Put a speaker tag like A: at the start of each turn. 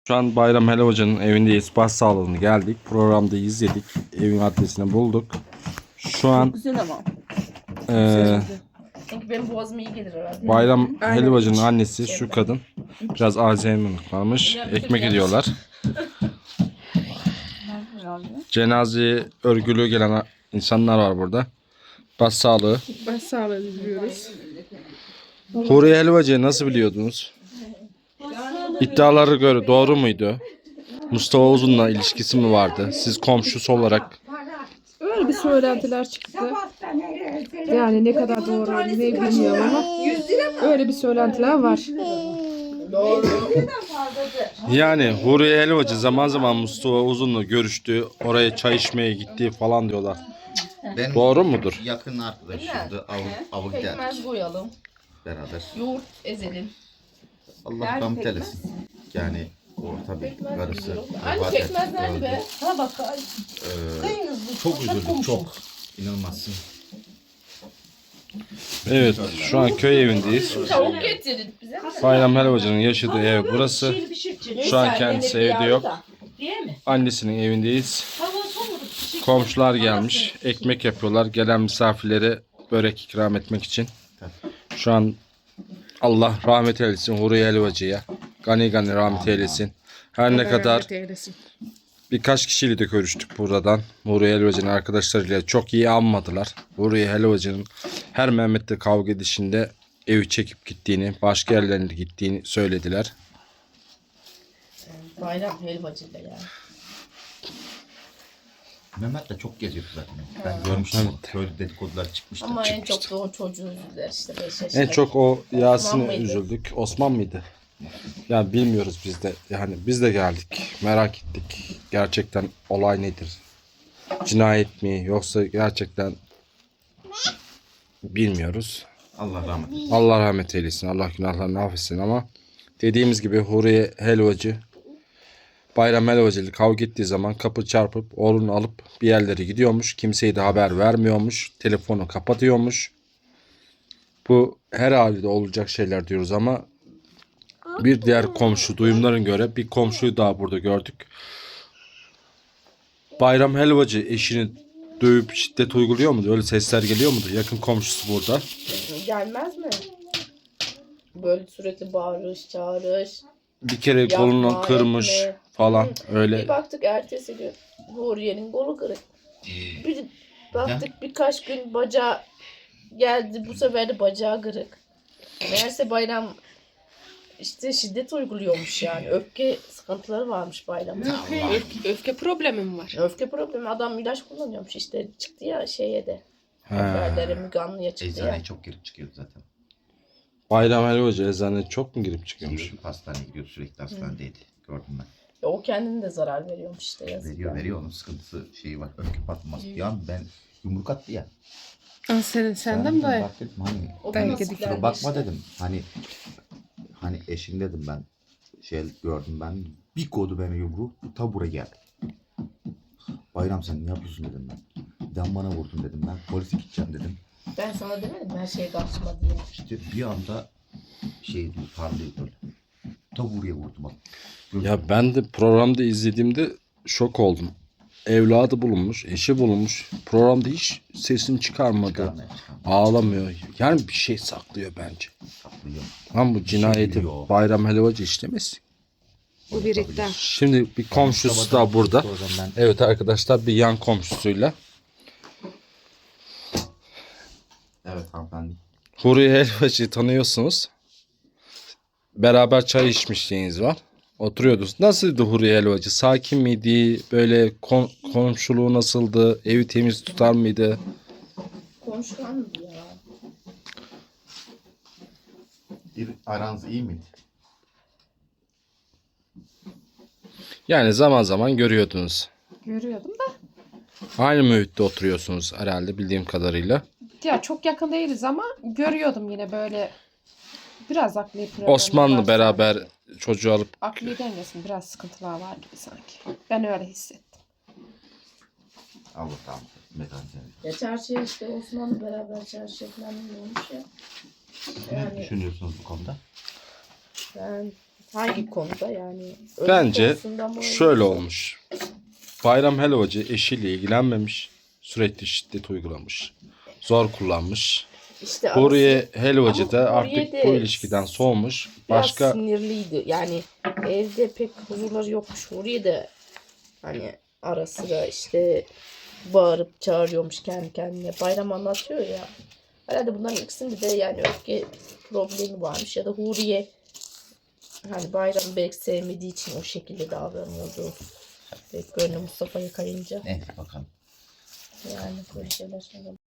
A: Şu an Bayram Helal Hoca'nın evindeyiz. Başsağlığını geldik. Programda izledik. Evin adresini bulduk. Şu an
B: Güzel ama.
C: Çünkü benim boğazım iyi gelir herhalde.
A: Bayram
B: Aynen.
A: Helal Hoca'nın annesi şu kadın. Biraz Alzheimer'lık varmış. Ekmek ediyorlar. Cenazeye örgülü gelen insanlar var burada. Başsağlığı.
B: Başsağlığı diliyoruz.
A: Huriye Helal Hoca'yı nasıl biliyordunuz? İddialara göre doğru muydu? Mustafa Uzun'la ilişkisi mi vardı? Siz komşusu olarak
B: Öyle bir söylentiler çıktı. Yani ne kadar doğru ne bilmiyorum ama öyle bir söylentiler var.
A: yani Huriye Helal Hoca zaman zaman Mustafa Uzun'la görüştü. Oraya çay içmeye gitti falan diyorlar.
D: Ben
A: Doğru mudur?
D: yakın arkadaşımdı. Avı giderdik
C: Pekmez koyalım.
D: beraber.
C: Yoğurt ezelim.
D: Allah
C: Nerede
D: rahmet
C: pekmez?
D: eylesin. Yani o tabii karısı
C: Anne
D: vefat
C: pekmez
D: etti,
C: nerede
D: öldü.
C: be? Ha bak.
D: Çok üzüldük, çok. İnanılmazsın.
A: Evet, şu an köy evindeyiz.
C: Tavuk getirin bize.
A: Bayram Helal Hoca'nın yaşadığı ev burası. Şu an kendisi evde yok.
C: Değil mi?
A: Annesinin evindeyiz. Komşular gelmiş. Ekmek yapıyorlar. Gelen misafirlere börek ikram etmek için. Şu an Allah rahmet eylesin Huriye Helal Hoca'ya. Gani gani rahmet eylesin. Her ne kadar birkaç kişiyle de görüştük buradan. Huriye Helal Hoca'nın arkadaşlarıyla çok iyi anmadılar. Huriye Helal Hoca'nın her Mehmet'le kavga edişinde evi çekip gittiğini, başka yerlerine gittiğini söylediler.
C: Bayram helvacıyla yani.
D: Mehmet de çok geziyordu zaten. Ben görmüştüm. Köylü dedikodular çıkmıştı.
C: Ama en çok da o çocuğu üzüldüler işte 5 yaşında.
A: En çok o Yasin'e
C: mıydı?
A: üzüldük. Osman mıydı? Ya bilmiyoruz biz de. Yani biz de geldik. Merak ettik. Gerçekten olay nedir? Cinayet mi? Yoksa gerçekten bilmiyoruz.
D: Allah rahmet eylesin.
A: Allah rahmet eylesin. Allah günahlarını affetsin ama dediğimiz gibi Huriye Helvacı Bayram Helvacı ile kavga ettiği zaman kapı çarpıp oğlunu alıp bir yerlere gidiyormuş. Kimseye de haber vermiyormuş. Telefonu kapatıyormuş. Bu her halde olacak şeyler diyoruz ama bir diğer komşu duyumların göre bir komşuyu daha burada gördük. Bayram Helvacı eşini dövüp şiddet uyguluyor mu? Öyle sesler geliyor mudur? Yakın komşusu burada.
C: Gelmez mi? Böyle sürekli bağırış, çağırış.
A: Bir kere
C: Yapma,
A: kolunu kırmış
C: etme.
A: falan öyle.
C: Bir baktık ertesi gün Huriye'nin kolu kırık. Bir baktık birkaç gün bacağı geldi. Bu sefer de bacağı kırık. Meğerse Bayram işte şiddet uyguluyormuş yani. Öfke sıkıntıları varmış Bayram'ın.
B: Öfke problemi mi var?
C: Öfke problemi. Adam ilaç kullanıyormuş işte. Çıktı ya şeye de.
A: He.
C: Haberlere Müge Anlı'ya çıktı ya.
D: Eczaneye çok girip çıkıyordu zaten.
A: Bayram Helvacı eczaneye çok mu girip çıkıyormuş?
D: Gidiyordu, hastaneye gidiyordu, sürekli hastanedeydi. Gördüm ben.
C: O kendine de zarar veriyormuş işte yazık.
D: Veriyor onun sıkıntısı şeyi var. Öfke patlaması. Ya ben yumruk attı ya.
B: Senden mi dayı?
D: Bak dedim hani
C: O da
B: Belki de
C: nasiplendi
D: kusura bakma
C: işte.
D: dedim. Hani eşim dedim ben. Şey gördüm ben. Bir kodu beni yumruğu. Ta buraya geldi. Bayram sen ne yapıyorsun dedim ben. Neden bana vurdun dedim ben. Polise gideceğim dedim.
C: Ben sana demedim her şey karşıma diye.
D: İşte bir anda şey diyor parlıyor böyle. Ta buraya vurdu bak.
A: Ya ben de programda izlediğimde şok oldum. Evladı bulunmuş, eşi bulunmuş. Programda hiç sesini çıkarmadı. Ağlamıyor. Yani bir şey saklıyor bence.
D: Saklıyor.
A: Lan bu cinayeti
D: biliyor.
A: Bayram Helvacı işlemesin.
B: Bu birikten.
A: Şimdi bir komşusu da burada.
D: Ben
A: Evet arkadaşlar bir yan komşusuyla.
D: evet hanımefendi.
A: Huriye Helvacı'yı tanıyorsunuz. Beraber çay içmişliğiniz var. Oturuyordunuz. Nasıldı Huriye Helvacı? Sakin miydi? Böyle komşuluğu nasıldı? Evi temiz tutar mıydı?
C: Konuşkan mı ya?
D: Aranız iyi miydi?
A: Yani zaman zaman görüyordunuz.
B: Görüyordum da.
A: Aynı mühitte oturuyorsunuz herhalde bildiğim kadarıyla.
B: Ya çok yakın değiliz ama görüyordum yine böyle biraz akli problemi
A: Osmanlı
B: var
A: beraber
B: sanki.
A: çocuğu alıp
B: Akli dengesinde biraz sıkıntılar var gibi sanki. Ben öyle hissettim.
D: Allah tamam. Mekan seni.
C: Ya çarşıya işte Osman'la beraber çarşıya falan olmuş ya.
D: Ne
C: Yani
D: düşünüyorsunuz bu konuda?
C: ben Hangi konuda yani? Ölüm
A: Bence
C: konusunda mı?
A: şöyle olmuş. Bayram Helvacı eşiyle ilgilenmemiş. Sürekli şiddet uygulamış. Zor kullanmış.
C: İşte arası
A: Huriye Helvacı
C: Ama
A: da
C: Huriye
A: artık
C: de
A: bu ilişkiden soğumuş.
C: biraz
A: Başka
C: sinirliydi. Yani evde pek huzurları yokmuş. Huriye de hani ara sıra işte bağırıp çağırıyormuş kendi kendine. Bayram anlatıyor ya. Herhalde bunların ikisinde de yani öfke problemi varmış. Ya da Huriye hani Bayram'ı belki sevmediği için o şekilde davranıyordu. Belki böyle Mustafa'yı kayınca.
D: Neyse bakalım.
C: Yani böyle şeyler.